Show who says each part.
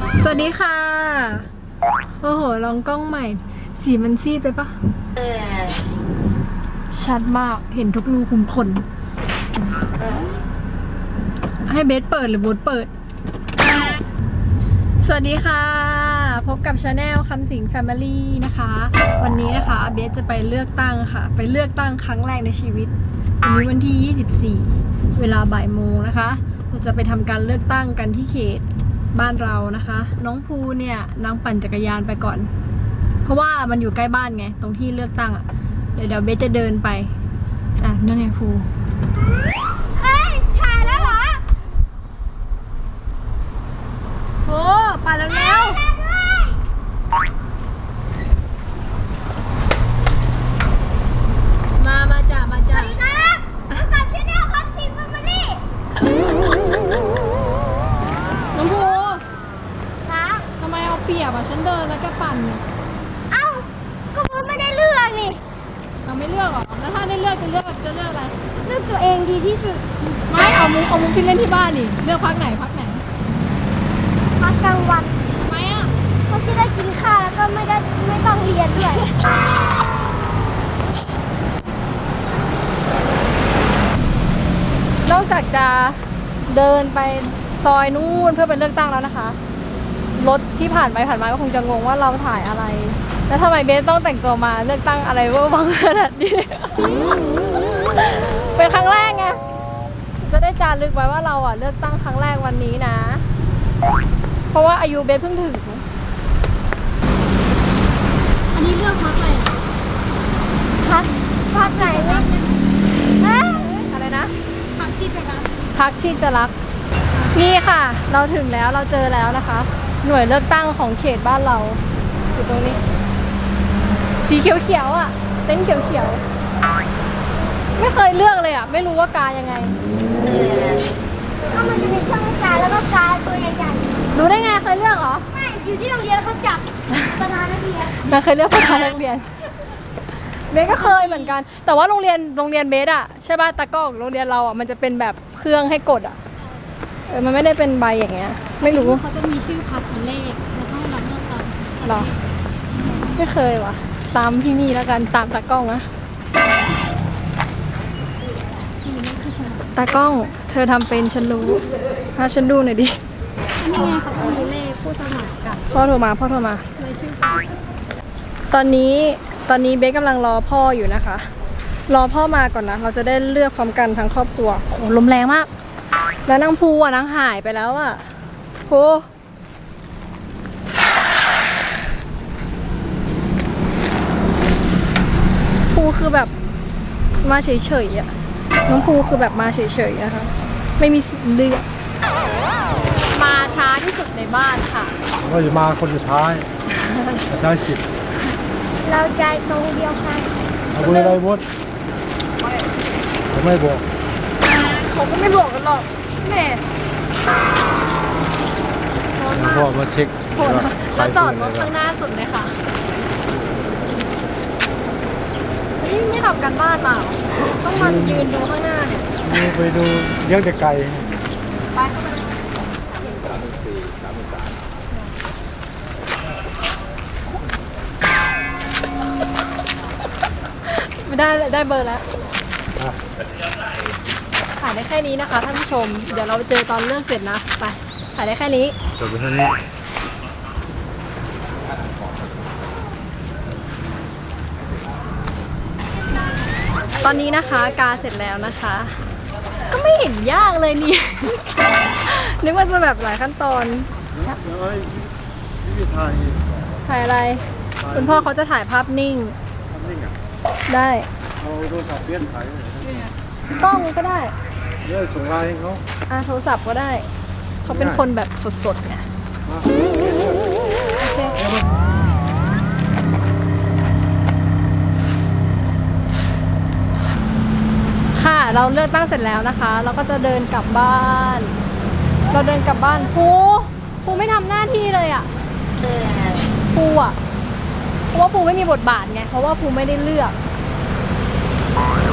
Speaker 1: สวัสดีค่ะโอ้โหลองกล้องใหม่สีมันซีดไปปะชัดมากเห็นทุกรูขุมขนให้เบสเปิดหรือโบสเปิดสวัสดีค่ะพบกับชาแนลคำสิงแฟมิลี่นะคะวันนี้นะคะเบสจะไปเลือกตั้งค่ะไปเลือกตั้งครั้งแรกในชีวิตวันนี้วันที่24เวลาบ่ายโมงนะคะเราจะไปทำการเลือกตั้งกันที่เขตบ้านเรานะคะน้องภูเนี่ยนางปั่นจักรยานไปก่อนเพราะว่ามันอยู่ใกล้บ้านไงตรงที่เลือกตั้งอ่ะเดี๋ยวเบสจะเดินไปนั่นไงภู
Speaker 2: ถ่ายแล้วเหรอ
Speaker 1: โอ้ปั่นแล้วแล้วมาจ้ะ
Speaker 2: สวัสดีครับกับชาแนลคำสิงแฟมิลี่
Speaker 1: น้องภู
Speaker 2: ครับ
Speaker 1: ทำไมเอาเปรียบอ่ะฉันเดินแล้วก็ปั่นเนี่ย
Speaker 2: เอ้าก็ผมไม่ได้เลือกนี่
Speaker 1: เราไม่เลือกหรอแล้วถ้าได้เลือกจะเลือกอะไร
Speaker 2: เลือกตัวเองดีที่สุด
Speaker 1: ไม่เอามุกที่เล่นที่บ้านดิเลือกพักไหน
Speaker 2: พักกลางวัน
Speaker 1: ทำไมอ่ะ
Speaker 2: เพราะที่ได้กินข้าวแล้วก็ไม่ต้องเรียนด้วย
Speaker 1: นอกจากจะเดินไปซอยนู่นเพื่อไปเลือกตั้งแล้วนะคะรถที่ผ่านไปผ่านมาก็คงจะงงว่าเราถ่ายอะไรแล้วทำไมเบสต้องแต่งตัวมาเลือกตั้งอะไรเวอร์วังขนาดนี้ เป็นครั้งแรกไงจะได้จารึกไว้ว่าเราอ่ะเลือกตั้งครั้งแรกวันนี้นะเพราะว่าอายุเบสเพิ่งถึงอันนี้เลือกพักอะไรอ่ะ
Speaker 2: พักไหนวะ
Speaker 1: อะไรนะ
Speaker 2: พักที่จะรัก
Speaker 1: นี่ค่ะเราถึงแล้วเราเจอแล้วนะคะหน่วยเลือกตั้งของเขตบ้านเราอยู่ตรงนี้สีเขียวๆอ่ะเต็นท์เขียวๆไม่เคยเลือกเลยอ่ะไม่รู้ว่ากายังไง
Speaker 2: ก็มันจะมีช่องกาแล้วก็กาตัวใหญ่
Speaker 1: ๆรู้ได้ไงเคยเลือกเหรอ
Speaker 2: ไม่อยู่ที่โรงเรียนเขาจับประธานนักเรียน
Speaker 1: เคยเลือกประธานนักเรียนเบสก็เคยเหมือนกันแต่ว่าโรงเรียนเบสอ่ะใช่ป่ะตะก้องโรงเรียนเราอ่ะมันจะเป็นแบบเครื่องให้กดอ่ะมันไม่ได้เป็นใบอย่างเงี้ยไม่รู้
Speaker 3: เขาจะมีชื่อพักตัวเลขแล้วก็ให้เราเลือกตาม
Speaker 1: หรอไม่เคยว่ะตามพี่นี่แล้วกันตามตากล้องนะตากล้องเธอทำเป็นฉันรู้ถ้าฉันดูหน่อยดิ
Speaker 3: นี่ไงเขาจะมีเลขผู้สมัครกับ
Speaker 1: พ่อโทรมา
Speaker 3: เลยชื่อ
Speaker 1: ตอนนี้เบสกำลังรอพ่ออยู่นะคะรอพ่อมาก่อนนะเราจะได้เลือกพร้อมกันทั้งครอบครัวโอ้ลมแรงมากแล้วนางภูอ่ะนางหายไปแล้วอ่ะภูคือแบบมาเฉยๆอ่ะน้องภูคือแบบมาเฉยๆนะคะไม่มีสิทธิ์เลือกมาช้าที่สุดในบ้านค่ะ
Speaker 4: เราจะมาคนสุดท้ายใช้สิทธิ์
Speaker 2: เราใจตรงเดียวกัน
Speaker 4: เอาไปอะไรบดไม่บอก
Speaker 1: เขาก็ไม่บอกกันหรอกแม่
Speaker 4: พ่อมาเช็ค
Speaker 1: แล้วจอดรถข้างหน้าสุดเลยค่ะไม่ทำกันบ้านเปล่าต้องมายืนดูข้างหน้าเนี่ย
Speaker 4: ไปดูเลี้ยงแต่ไก่
Speaker 1: ไปเข้าไปไม่ได้เบอร์แล้วถ่ายได้แค่นี้นะคะท่านผู้ชมเดี๋ยวเราไปเจอตอนเรื่องเสร็จนะไปถ่ายได้แค่นี้
Speaker 4: จบไปแค่นี้
Speaker 1: ตอนนี้นะคะกาเสร็จแล้วนะคะก็ไม่เห็นยากเลยนี่ นึกว่าจะแบบหลายขั้นตอนถ่ายอะไรคุณพ่อเขาจะถ่ายภาพนิ่งได้
Speaker 4: เอาโทรศัพท์เปลี่ยนถ่าย
Speaker 1: กล้องก็ได้
Speaker 4: ส่งไลน์ให้เขา
Speaker 1: โทรศัพท์ก็ได้เขาเป็นคนแบบสดๆไงโอเคค่ะเราเลือกตั้งเสร็จแล้วนะคะเราก็จะเดินกลับบ้านภูไม่ทำหน้าที่เลยอ่ะภูอ่ะเพราะว่าภูไม่มีบทบาทไงเพราะว่าภูไม่ได้เลือก